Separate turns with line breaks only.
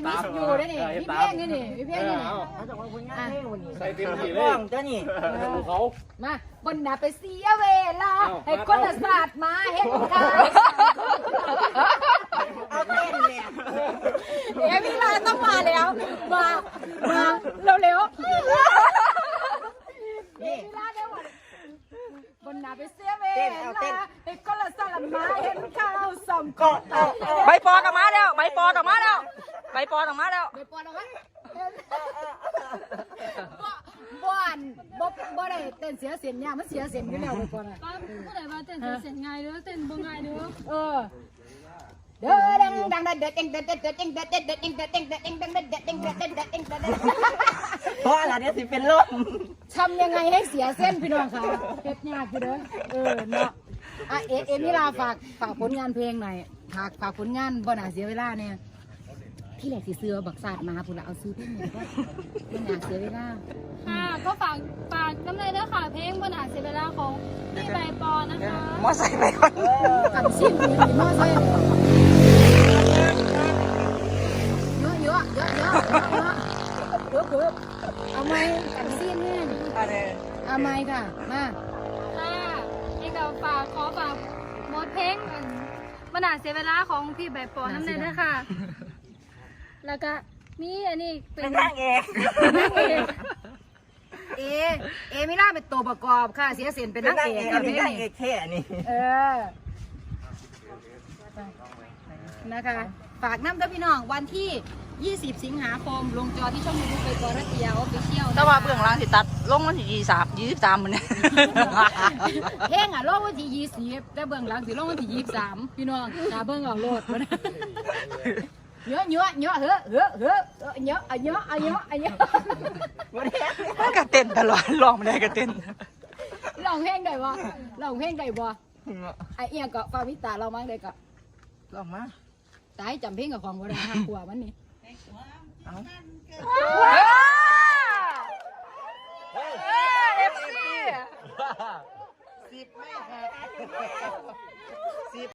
มิสยูได้นี่พี่เพ่งนี่นี่พี่เพ่งนี่
ใส่เต็มที่เลยเจ้านี่เขา
มาบนหน้าไปเสียเวลาให้คนละศาสตร์มาเห็นกัน
เอาเต้นเลย
มีลาต้องมาแล้วมาเร็วนี่ลาเร็วบนหน้าไปเสียเวลาให้คนละศาสตร์มาเห็นข้าวสมกอด
ใบปอกลับมาแล้วใบปอกลับมาแล้วใบปอกลับมาแล้ว
ไปปอนเอาไว้บ่ได้เต้นเสียเสียงเนี่ยมันเสียเสียงอยู่แล้วไปปอนอ่ะ
ผู้ใดว่าเต้นเสียงง่ายเด้อเต้นบ่ง่ายเด้อ
เด้อดังเด้อเต็ง
เพราะอะไรเนี่ยสิเป็นลม
ทำยังไงให้เสียเส้นพี่น้องคะเฮ็ดยากอยู่เด้อเนาะเอมิลาฝากผลงานเพลงหน่อยฝากผลงานบ่น่าเสียเวลาเนี่ยที่แหลกสีเสือบักศาสตร์มาพุ่นละเอาซื้อเพลงเนี่ยก็บ่น่าเสียเวลา
ค่ะก็ฝากน้ำเลยเด้อค่ะเพลงบ่น่าเสียเวลาของพี่ใบปอนะคะ
มอใส่ไปก่อน
กันซิ่งมีมอใส่เยอะเอาไหมกันซิ่งเนี่ยเอาไหมค่ะมา
ค่ะนี่ก็ขอฝากหมดเพลงบ่น่าเสียเวลาของพี่ใบปอน้ำเลยเด้อค่ะแล้วก็มีอันนี้เป็น
นางเอก
มิล่าเป็นตัวประกอบค่ะเสียเสียนเป็นนางเอก
เป็นนางเอกแค่นี้
นะคะฝากน้ำเด้อพี่น้องวันที่20 สิงหาคมลงจอที่ช่องยูทูบใบปอรัตยาออฟฟิเชียล
แต่ว่าเบื้องหลังสิตัดลงวันที่23มันเนี่ย
เพลงลงวันที่20แต่เบื้องหลังสิลงวันที่23พี่น้องตาเบื้องเอาโลดมันเยอะเ
กระเต้นตลอดร้องไม่ได้กระเต้น
ร้องเพลงได้บ่ไอเอียก็ฟาวิตาเรามั้งได้ก็
ร้องมา
ตายจำเพลงกับของบ่ได้ห้ากว่ามันนี่
FC
10 ไม่